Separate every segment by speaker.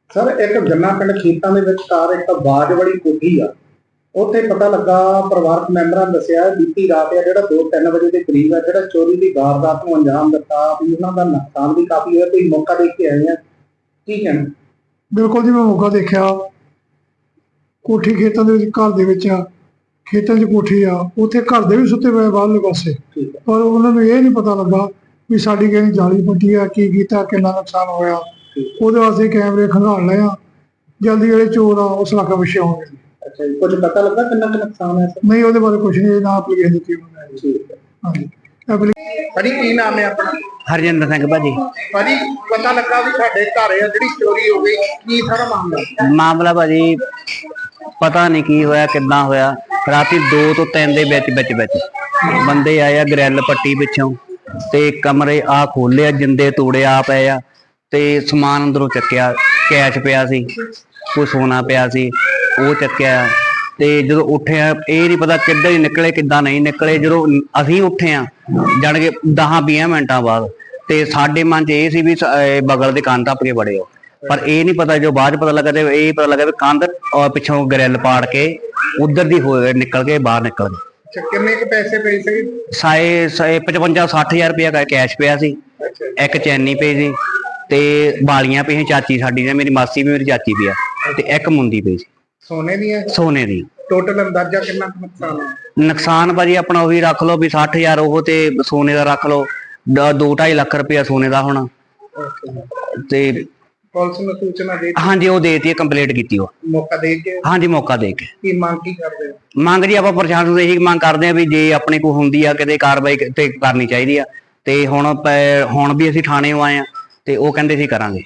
Speaker 1: Sir एक गन्ना पिंड खेतों के विचकार एक बाज वाली कोठी आ उत्थे पता लगा परिवारक मैंबरां ने दस्सिया बीती रात है जिहड़ा 2-3 बजे के करीब है जिहड़ा चोरी की वारदात नूं अंजाम दिता भी उन्हां दा नुकसान भी काफी होया ते मौका देख के आए हैं की कहना।
Speaker 2: बिल्कुल जी, मैं मौका देखा। कोठी खेतों के घर दे विच आ, खेतों च कोठी आ, उत्थे घर दे भी सुते पे बाहरले पासे, पर उन्होंने ये नहीं पता लगा भी साडी किहड़ी जाली पट्टी आ, की कीता, किन्ना नुकसान होया। ਉਹਦੇ ਵਾਸਤੇ ਕੈਮਰੇ ਖੰਗਾਲ ਲਏ ਆ, ਜਲਦੀ ਜਿਹੜੇ ਚੋਰ ਆ ਉਸ ਇਲਾਕੇ ਪਿੱਛੇ ਆਉਣਗੇ।
Speaker 1: अच्छा जी, कुछ पता लगा कितना नुकसान है सर?
Speaker 2: नहीं ਉਹਦੇ ਬਾਰੇ ਕੁਝ ਨਹੀਂ, ਨਾ ਐਪਲੀਕੇਸ਼ਨ ਦਿੱਤੀ ਉਹਨੇ। ਹਾਂਜੀ
Speaker 1: भाजी की नाम है अपना?
Speaker 3: हरजिंदर सिंह भाजी।
Speaker 1: भाजी पता लगा भी साडे घर है जिहड़ी चोरी हो गई, की सारा मामला?
Speaker 3: मामला भाजी पता नहीं की होया किद्दां होया। राती 2 ਤੋਂ 3 ਦੇ ਵਿੱਚ ਬੰਦੇ ਆਏ ਆ ਗ੍ਰਿਲ ਪੱਟੀ ਪਿੱਛੋਂ ਤੇ ਕਮਰੇ ਆ ਖੋਲਿਆ, ਜਿੰਦੇ ਤੋੜੇ ਆ ਪਏ ਆ ਤੇ ਸਮਾਨ ਅੰਦਰੋਂ ਚੱਕਿਆ। ਕੈਸ਼ ਪਿਆ ਸੀ, ਕੋਈ ਸੋਨਾ ਪਿਆ ਸੀ, ਉਹ ਚੱਕਿਆ। ਤੇ ਜਦੋਂ ਉੱਠੇ ਆ ਇਹ ਨਹੀਂ ਪਤਾ ਕਿੱਦਾਂ ਹੀ ਨਿਕਲੇ ਕਿੱਦਾਂ ਨਹੀਂ ਨਿਕਲੇ। ਜਦੋਂ ਅਸੀਂ ਉੱਠੇ ਆ ਜਾਣ ਕੇ 10-20 ਮਿੰਟਾਂ ਬਾਅਦ ਤੇ ਸਾਡੇ ਮਨ 'ਚ ਇਹ ਸੀ ਵੀ ਬਗਲ ਦੇ ਕੰਨ ਟੱਪ ਕੇ ਬੜੇ ਹੋ, ਪਰ ਇਹ ਨਹੀਂ ਪਤਾ ਜੋ ਬਾਅਦ 'ਚ ਪਤਾ ਲੱਗਾ ਤੇ ਇਹ ਪਤਾ ਲੱਗਾ ਵੀ ਕੰਧ ਪਿੱਛੋਂ ਗ੍ਰਿਲ ਪਾੜ ਕੇ ਉਧਰ ਦੀ ਹੋ ਨਿਕਲ ਕੇ ਬਾਹਰ ਨਿਕਲ ਗਏ।
Speaker 1: ਕਿੰਨੇ ਕੁ ਪੈਸੇ ਪਏ ਸੀ?
Speaker 3: 55-60 ਹਜ਼ਾਰ ਰੁਪਇਆ ਕੈਸ਼ ਪਿਆ ਸੀ, ਇੱਕ ਚੈਨੀ ਪਈ ਸੀ ਤੇ ਬਾਲੀਆਂ ਪਈਆਂ। ਚਾਚੀ ਸਾਡੀ ਨੇ, ਮੇਰੀ ਮਾਸੀ ਵੀ ਮੇਰੀ ਚਾਚੀ ਵੀ ਆ, ਤੇ ਇੱਕ ਮੁੰਦੀ ਪਈ ਸੀ
Speaker 1: सोने दी है?
Speaker 3: ਸੋਨੇ ਦੀ।
Speaker 1: टोटल अंदाजा कितना नुकसान है?
Speaker 3: ਨੁਕਸਾਨ ਭਾਜੀ ਆਪਣਾ ਉਹੀ ਰੱਖ ਲਓ ਵੀ 60 ਹਜ਼ਾਰ ਉਹ ਤੇ ਸੋਨੇ ਦਾ ਰੱਖ ਲਓ, 2-2.5 ਲੱਖ ਰੁਪਇਆ ਸੋਨੇ ਦਾ ਹੋਣਾ। ਤੇ
Speaker 1: ਪੁਲਿਸ ਨੂੰ ਸੂਚਨਾ ਦੇ?
Speaker 3: ਹਾਂਜੀ ਉਹ ਦੇਤੀ, ਕੰਪਲੀਟ ਕੀਤੀ ਉਹ
Speaker 1: ਮੌਕਾ ਦੇ ਕੇ?
Speaker 3: ਹਾਂਜੀ ਮੌਕਾ ਦੇ ਕੇ।
Speaker 1: ਕੀ ਮੰਗ ਕੀ ਕਰਦੇ ਹੋ?
Speaker 3: ਮੰਗ ਜੀ ਆਪਾਂ ਪ੍ਰਸ਼ਾਸਨ ਤੋਂ ਇਹੀ ਮੰਗ ਕਰਦੇ ਆ ਵੀ ਜੇ ਆਪਣੇ ਕੋਲ ਹੁੰਦੀ ਆ ਕਿਤੇ ਕਾਰਵਾਈ ਤੇ ਕਰਨੀ ਚਾਹੀਦੀ ਆ। ਤੇ ਹੁਣ ਵੀ ਅਸੀਂ ਥਾਣੇ ਆਏ ਆ ਤੇ ਉਹ ਕਹਿੰਦੇ ਸੀ ਕਰਾਂਗੇ।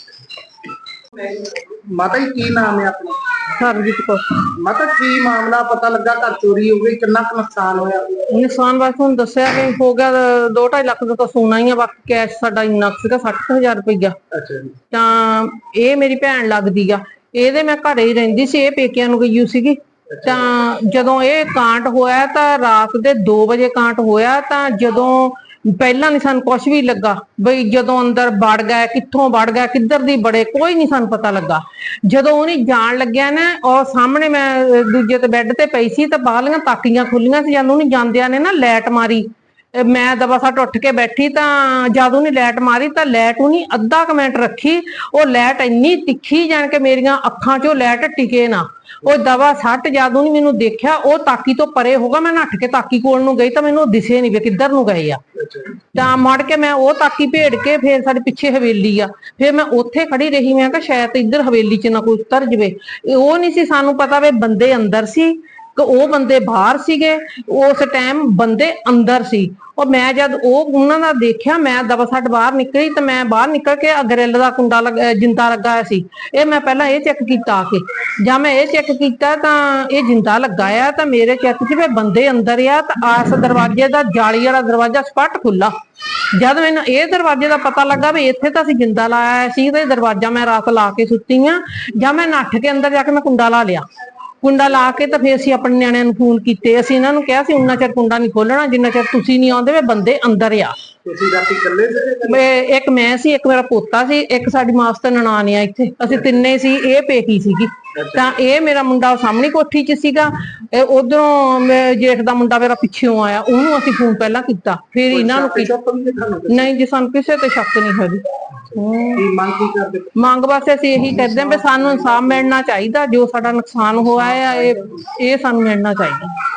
Speaker 1: ਮਾਤਾ ਜੀ ਕੀ ਨਾਮ ਹੈ ਆਪਣਾ?
Speaker 4: ਸਰਬਜੀਤ ਕੌਰ।
Speaker 1: ਮਾਤਾ ਕੀ ਮਾਮਲਾ ਪਤਾ ਲੱਗਾ ਘਰ ਚੋਰੀ ਹੋ ਗਈ, ਕਿੰਨਾ ਕੁ ਨੁਕਸਾਨ ਹੋਇਆ?
Speaker 4: ਨੁਕਸਾਨ ਬਸ ਹੁਣ ਦੱਸਿਆ ਕਿ ਹੋ ਗਿਆ 2-2.5 ਲੱਖ ਦਾ ਤਾਂ ਸੋਨਾ ਹੀ ਆ, ਬਾਕੀ ਕੈਸ਼ ਸਾਡਾ ਇੰਨਾ ਸੀਗਾ 60,000 ਰੁਪਈਆ।
Speaker 1: ਅੱਛਾ ਜੀ।
Speaker 4: ਤਾਂ ਇਹ ਮੇਰੀ ਭੈਣ ਲੱਗਦੀ ਆ, ਇਹਦੇ ਮੈਂ ਘਰੇ ਹੀ ਰਹਿੰਦੀ ਸੀ, ਇਹ ਪੇਕਿਆਂ ਨੂੰ ਗਈ ਸੀਗੀ। ਤਾਂ ਜਦੋਂ ਇਹ ਕਾਂਡ ਹੋਇਆ ਤਾਂ ਰਾਤ ਦੇ 2 ਵਜੇ ਕਾਂਡ ਹੋਇਆ। ਤਾਂ ਜਦੋਂ ਪਹਿਲਾਂ ਨਹੀਂ ਸਾਨੂੰ ਕੁਝ ਵੀ ਲੱਗਾ ਬਈ ਜਦੋਂ ਅੰਦਰ ਵੜ ਗਿਆ, ਕਿੱਥੋਂ ਵੜ ਗਿਆ, ਕਿੱਧਰ ਦੀ ਬੜੇ, ਕੋਈ ਨਹੀਂ ਸਾਨੂੰ ਪਤਾ ਲੱਗਾ। ਜਦੋਂ ਉਹਨੇ ਜਾਣ ਲੱਗਿਆ ਨਾ, ਉਹ ਸਾਹਮਣੇ ਮੈਂ ਦੂਜੇ ਤੇ ਬੈੱਡ ਤੇ ਪਈ ਸੀ ਤਾਂ ਬਾਹਲੀਆਂ ਤਾਕੀਆਂ ਖੁੱਲੀਆਂ ਸੀ। ਜਦੋਂ ਉਹਨੇ ਜਾਂਦਿਆਂ ਨੇ ਨਾ ਲਾਈਟ ਮਾਰੀ, ਮੈਂ ਦਬਾ ਸੱਟ ਉੱਠ ਕੇ ਬੈਠੀ। ਤਾਂ ਜਦ ਉਹਨੇ ਲਾਈਟ ਮਾਰੀ ਤਾਂ ਲਾਈਟ ਉਹਨੇ ਅੱਧਾ ਕੁ ਮਿੰਟ ਰੱਖੀ, ਉਹ ਲਾਈਟ ਇੰਨੀ ਤਿੱਖੀ ਜਾਣ ਕੇ ਮੇਰੀਆਂ ਅੱਖਾਂ 'ਚੋਂ ਲਾਈਟ ਟਿਕੇ ਨਾ। ਉਹ ਦਵਾ ਸੱਟ ਜਦ ਉਹਨੇ ਮੈਨੂੰ ਦੇਖਿਆ, ਉਹ ਤਾਕੀ ਤੋਂ ਪਰੇ ਹੋਗਾ। ਮੈਂ ਨੱਠ ਕੇ ਤਾਕੀ ਕੋਲ ਨੂੰ ਗਈ ਤਾਂ ਮੈਨੂੰ ਦਿਸੇ ਨਹੀਂ ਵੀ ਕਿੱਧਰ ਨੂੰ ਗਏ ਆ। ਤਾਂ ਮੁੜ ਕੇ ਮੈਂ ਉਹ ਤਾਕੀ ਭੇੜ ਕੇ ਫੇਰ ਸਾਡੇ ਪਿੱਛੇ ਹਵੇਲੀ ਆ, ਫੇਰ ਮੈਂ ਉੱਥੇ ਖੜੀ ਰਹੀ। ਮੈਂ ਕਿਹਾ ਸ਼ਾਇਦ ਇੱਧਰ ਹਵੇਲੀ 'ਚ ਨਾ ਕੋਈ ਉਤਰ ਜਵੇ। ਉਹ ਨਹੀਂ ਸੀ ਸਾਨੂੰ ਪਤਾ ਵੀ ਬੰਦੇ ਅੰਦਰ ਸੀ ਕਿ ਉਹ ਬੰਦੇ ਬਾਹਰ ਸੀਗੇ। ਉਸ ਟਾਈਮ ਬੰਦੇ ਅੰਦਰ ਸੀ। ਉਹ ਮੈਂ ਜਦ ਉਹਨਾਂ ਦਾ ਦੇਖਿਆ, ਮੈਂ ਦਵਾ ਸੱਟ ਬਾਹਰ ਨਿਕਲੀ ਤਾਂ ਮੈਂ ਬਾਹਰ ਨਿਕਲ ਕੇ ਗਰਿੱਲ ਦਾ ਕੁੰਡਾ ਜਿੰਦਾ ਲੱਗਾ ਹੋਇਆ ਸੀ, ਇਹ ਮੈਂ ਪਹਿਲਾਂ ਇਹ ਚੈੱਕ ਕੀਤਾ ਆ ਕੇ। ਜਾਂ ਮੈਂ ਇਹ ਚੈੱਕ ਕੀਤਾ ਤਾਂ ਇਹ ਜਿੰਦਾ ਲੱਗਾ ਆ, ਤਾਂ ਮੇਰੇ ਚੈੱਕ 'ਚ ਵੀ ਬੰਦੇ ਅੰਦਰ ਆ। ਤਾਂ ਆਸ ਦਰਵਾਜ਼ੇ ਦਾ ਜਾਲੀ ਵਾਲਾ ਦਰਵਾਜ਼ਾ ਸਪੱਟ ਖੁੱਲਾ। ਜਦ ਮੈਨੂੰ ਇਹ ਦਰਵਾਜ਼ੇ ਦਾ ਪਤਾ ਲੱਗਾ ਵੀ ਇੱਥੇ ਤਾਂ ਅਸੀਂ ਜਿੰਦਾ ਲਾਇਆ ਸੀ ਤੇ ਦਰਵਾਜ਼ਾ ਮੈਂ ਰਾਤ ਲਾ ਕੇ ਸੁੱਤੀ ਆ, ਜਾਂ ਮੈਂ ਨੱਠ ਕੇ ਅੰਦਰ ਜਾ ਕੇ ਮੈਂ ਕੁੰਡਾ ਲਾ ਲਿਆ। ਕੁੰਡਾ ਲਾ ਕੇ ਤਾਂ ਫੇਰ ਅਸੀਂ ਆਪਣੇ ਨਿਆਣਿਆਂ ਨੂੰ ਫੋਨ ਕੀਤੇ। ਅਸੀਂ ਇਹਨਾਂ ਨੂੰ ਕਿਹਾ ਸੀ ਉਨਾ ਚਿਰ ਕੁੰਡਾ ਨਹੀਂ ਖੋਲਣਾ ਜਿੰਨਾ ਚਿਰ ਤੁਸੀਂ ਨਹੀਂ ਆਉਂਦੇ, ਵੀ ਬੰਦੇ ਅੰਦਰ ਆ।
Speaker 1: ਤੁਸੀਂ ਰਾਤੀ ਇਕੱਲੇ ਸੀ?
Speaker 4: ਇੱਕ ਮੈਂ ਸੀ, ਇੱਕ ਮੇਰਾ ਪੋਤਾ ਸੀ, ਇੱਕ ਸਾਡੀ ਮਾਸਟਰ ਨਨਾਣ ਆ ਇੱਥੇ, ਅਸੀਂ ਤਿੰਨੇ ਸੀ। ਇਹ ਪੇਕੀ ਸੀਗੀ। ਤਾਂ ਇਹ ਮੇਰਾ ਮੁੰਡਾ ਸਾਹਮਣੀ ਕੋਠੀ 'ਚ ਸੀਗਾ, ਉਧਰੋਂ ਜੇਠ ਦਾ ਮੁੰਡਾ ਮੇਰਾ ਪਿੱਛੋਂ ਆਇਆ, ਉਹਨੂੰ ਅਸੀਂ ਫੋਨ ਪਹਿਲਾਂ ਕੀਤਾ, ਫਿਰ ਇਹਨਾਂ ਨੂੰ ਨਹੀਂ ਜੀ, ਸਾਨੂੰ ਕਿਸੇ ਤੇ ਸ਼ੱਕ ਨਹੀਂ ਹੋਈ। ਮੰਗ ਬਸ ਅਸੀਂ ਇਹੀ ਕਰਦੇ ਹਾਂ ਵੀ ਸਾਨੂੰ ਇਨਸਾਫ ਮਿਲਣਾ ਚਾਹੀਦਾ। ਜੋ ਸਾਡਾ ਨੁਕਸਾਨ ਹੋਇਆ ਹੈ ਇਹ ਸਾਨੂੰ ਮਿਲਣਾ ਚਾਹੀਦਾ।